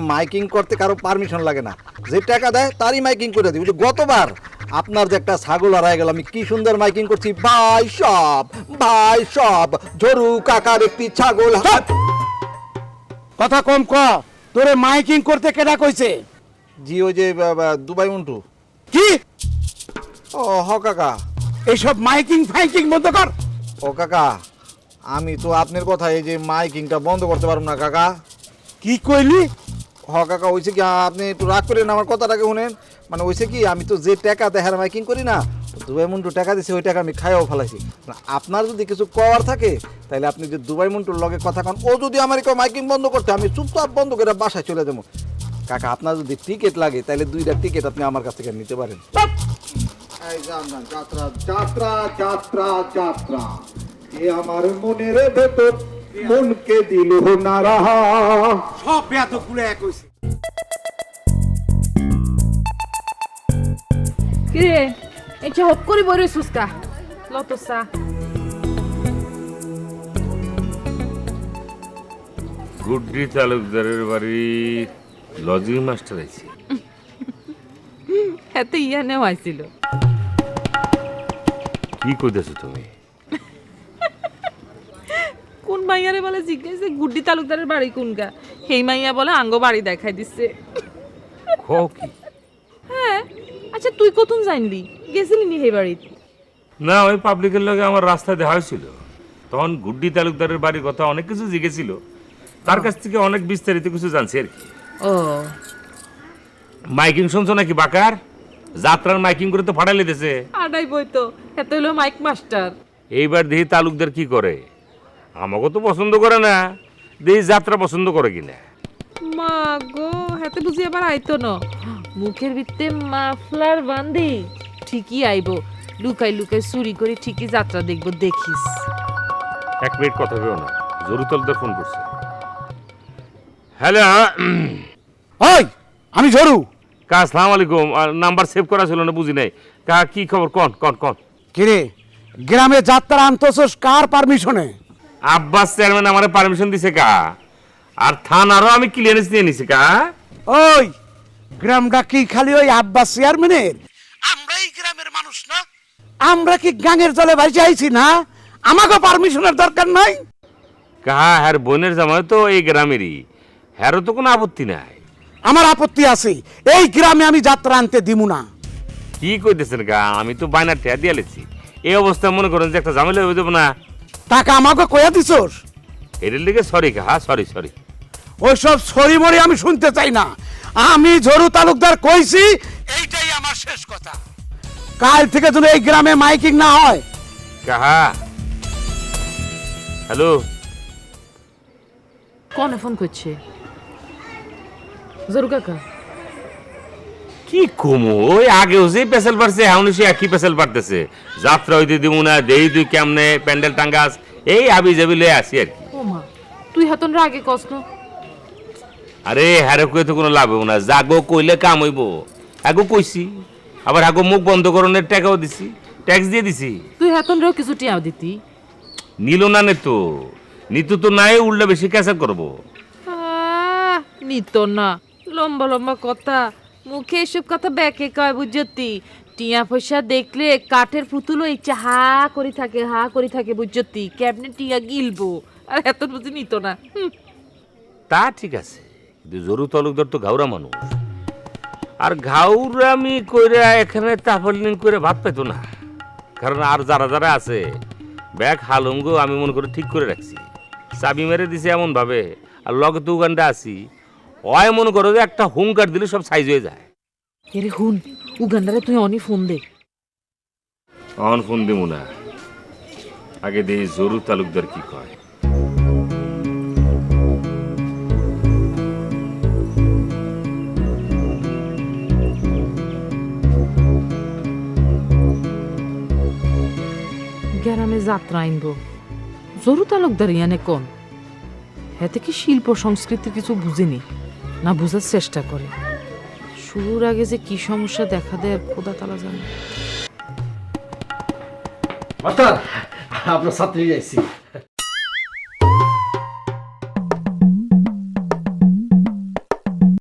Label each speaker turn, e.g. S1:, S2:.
S1: Miking করতে কারো permission লাগে না, যে টাকা দেয় তারই মাইকিং করে দিই। গতবার আপনার যে একটা ছাগল হারায় গেল, আমি কি সুন্দর মাইকিং করছি, ভাই সব ঝরু কাকার একটি ছাগল।
S2: কথা কম ক, তোরে মাইকিং করতে কেডা কইছে?
S1: জি ওই যে দুবাই মন্টু।
S2: কি?
S1: ও হ কাকা।
S2: এইসব মাইকিং ফাইকিং বন্ধ কর।
S1: ও কাকা, আমি তো আপনার কথা এই যে মাইকিংটা বন্ধ করতে পারবো না কাকা।
S2: কি কইলি?
S1: হ কাকা, হয়েছে কি, আপনি একটু রাগ করেন, আমার কথাটাকে শুনেন। মানে হয়েছে কি, আমি তো যে টাকা দেখার মাইকিং করি না, দুবাই মন্টু টাকা দিছে, ওই টাকা আমি খাইও ফেলাইছি। আপনার যদি কিছু কওয়ার থাকে তাহলে আপনি যে দুবাই মন্টুর লগে কথা কন, ও যদি আমার কেউ মাইকিং বন্ধ করতে, আমি চুপচাপ বন্ধ করে বাসায় চলে যাবো। কাকা, আপনার যদি টিকিট লাগে তাহলে 2টা টিকিট আপনি আমার কাছ থেকে নিতে পারেন। যাত্রা যাত্রা যাত্রা যাত্রা, এ আমার মনের ভেতর মনকে দিল নারা।
S2: সব বেয়াত কুলে কইছে।
S3: কি রে, এই যে হপ করি বইরে সুস্কা লতসা।
S4: গুড্ডি তালুকদারের বাড়ি লজিং মাস্টার আছে।
S3: এত ইয়া নেওয়া হয়েছিল।
S4: কি কইতেছো তুমি?
S3: কোন মাইয়ারে বলে জিজ্ঞেস গুড্ডি তালুকদারের বাড়ি কোনগা, সেই মাইয়া বলে আঙ্গ বাড়ি দেখাই দিচ্ছে।
S4: কি?
S3: হ্যাঁ, আচ্ছা তুই কতক্ষণ জানলি, গেছিলি নি সেই বাড়িতে?
S4: না, ওই পাবলিকের লগে আমার রাস্তায় দেখা হয়েছিল, তখন গুড্ডি তালুকদারের বাড়ির কথা অনেক কিছু জিজ্ঞেছিল, তার কাছ থেকে অনেক বিস্তারিত কিছু জানছি আর কি।
S3: ও
S4: মাইকিং শুনছো নাকি বাকার? যাত্রার মাইকিং করে তো ফাটাই লেতেছে।
S3: আডাই বই তো, এত হলো মাইক মাস্টার।
S4: এইবার দেখি তালুকদার কি করে, আমাকে তো পছন্দ করে না, দেখি যাত্রা পছন্দ করে কিনা।
S3: মা গো, হাতে বুঝি আবার আইতো না, মুখের ভিতরে মাফলার বান্ধি ঠিকই আইবো, লুকাই লুকাই চুরি করে ঠিকই যাত্রা দেখবো, দেখিস।
S4: 1 মিনিট কথা কেউ না, জরুর তালুকদার ফোন করছে। হ্যালো,
S2: ওই আমি ঝরু।
S4: আসসালামু আলাইকুম। নাম্বার সেভ করা ছিল না, বুঝি নাই। কি খবর? কন কন কন।
S2: কিরে, গ্রামে যাত্রা আনতেছস কার পারমিশনে?
S4: আব্বাস চেয়ারম্যান আমারে পারমিশন দিছে কা, আর থানারও আমি ক্লিয়ারেন্স নিয়ে নিছি কা।
S2: ওই গ্রামটা কি খালি ওই আব্বাস চেয়ারম্যানের? আমরাই গ্রামের মানুষ না? আমরা কি গাঙের জলে ভাসি আইছি না? আমাকে পারমিশনের দরকার নাই।
S4: হ্যার বোনের জামাই তো এই গ্রামেরই, হ্যারও তো কোনো আপত্তি নাই।
S2: আমার আপত্তি আছে, এই গ্রামে আমি যাত্রা আনতে দিমু না।
S4: কি কইতেছেন গা, আমি তো বাইনার ঠেয়া দিয়ে লেছি। এই অবস্থায় মনে করেন যে একটা ঝামেলা হয়ে যাবো না।
S2: টাকা আমাকে কয়া দিছস?
S4: এর লিগে সরি কা, সরি সরি।
S2: ওইসব সরি মরি আমি শুনতে চাই না। আমি ঝরু তালুকদার কইছি, এইটাই আমার শেষ কথা। কাল থেকে যদি এই গ্রামে মাইকিং না হয়।
S4: কাহা, হ্যালো,
S3: কনে ফোন করছে? জরু কাকা।
S4: কি কমো, ওই আগেও যে পেশাল পারছে এখন সে একই পেশাল পারতেছে। যাত্রা হইতে দিব না, দেই তুই কেমনে প্যান্ডেল টাঙ্গাস, এই আবি যাবি লয়ে আসি আর কি।
S3: ও মা, তুই হাতন রাগে কষ্ট।
S4: আরে হ্যারে কই তো কোনো লাভ হইব না, জাগো কইলে কাম হইব। আগো কইছি, আবার আগো মুখ বন্ধ করণের টাকাও দিছি, ট্যাক্স দিয়ে দিছি।
S3: তুই হাতন রেও কিছু টিয়াও দিতি।
S4: নিল না নে তো, নিতু তো নাই, উল্টা বেশি ক্যাসা করবো।
S3: নিত না, লম্বা লম্বা কথা, মুখে এসব কথা ব্যাকে কয় বুঝতি। টিয়া পয়সা দেখলে কাঠের পুতুলও ইচ্ছা হা করে থাকে বুঝতি, ক্যাবিনেট টিয়া গিলবো, আর এত বুঝি নিত না।
S4: তা ঠিক আছে, কিন্তু জরু তালুকদার তো ঘাউরা মানুষ, আর ঘাউরামি কইরা এখানে তাফলিং করে ভাত পেতো না। কারণ আর যারা যারা আছে ব্যাগ হালুঙ্গ আমি মনে করে ঠিক করে রাখছি, চাবি মেরে দিছে এমন ভাবে, আর লগে তো উগানটা আছি, ওই মনে করো যে একটা হুঙ্কার দিলে সব সাইজ হয়ে যায়।
S3: এরে হুন, উগান্ডারে তুই অনি ফোন দে।
S4: অন ফোন দিব না, আগে দেই জরু তালুকদার কি কয়।
S3: গ্রামে যাত্রা আইনবো, জরু তালুকদার ইয়ানে কোন? হেতে কি শিল্প সংস্কৃতির কিছু বুঝেনি না বুঝার চেষ্টা করে? শুরুর আগে যে কি সমস্যা দেখা দেয় খোদা তালা জানে।
S5: মাস্টার, আপনার ছাত্রী যাইছি।